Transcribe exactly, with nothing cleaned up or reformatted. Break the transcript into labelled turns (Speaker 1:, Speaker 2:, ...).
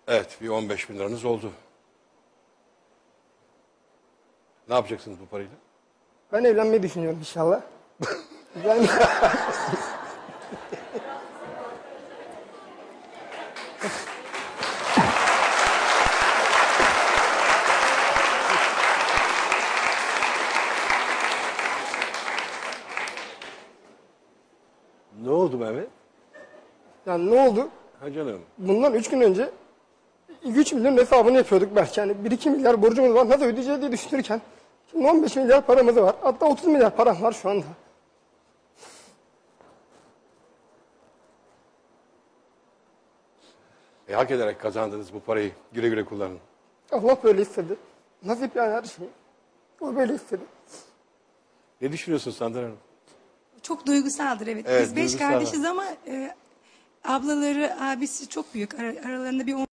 Speaker 1: Evet, bir on beş bin liranız oldu. Ne yapacaksınız bu parayla?
Speaker 2: Ben evlenmeyi düşünüyorum inşallah. Ben...
Speaker 1: Ne oldu Mehmet?
Speaker 2: Yani ne oldu?
Speaker 1: Ha canım.
Speaker 2: Bundan üç gün önce üç milyon hesabını yapıyorduk belki. Yani bir iki milyar borcumuz var. Nasıl ödeyeceğiz diye düşünürken şimdi on beş milyar paramız var. Hatta otuz milyar param var şu anda.
Speaker 1: E, hak ederek kazandınız bu parayı. Güle güle kullanın.
Speaker 2: Allah böyle istedi. Nasip yani her şey. O böyle istedi.
Speaker 1: Ne düşünüyorsun Sandra Hanım?
Speaker 3: Çok duygusaldır evet.
Speaker 1: Evet,
Speaker 3: Biz beş
Speaker 1: duygusal.
Speaker 3: kardeşiz ama e, ablaları, abisi çok büyük. Ara- aralarında bir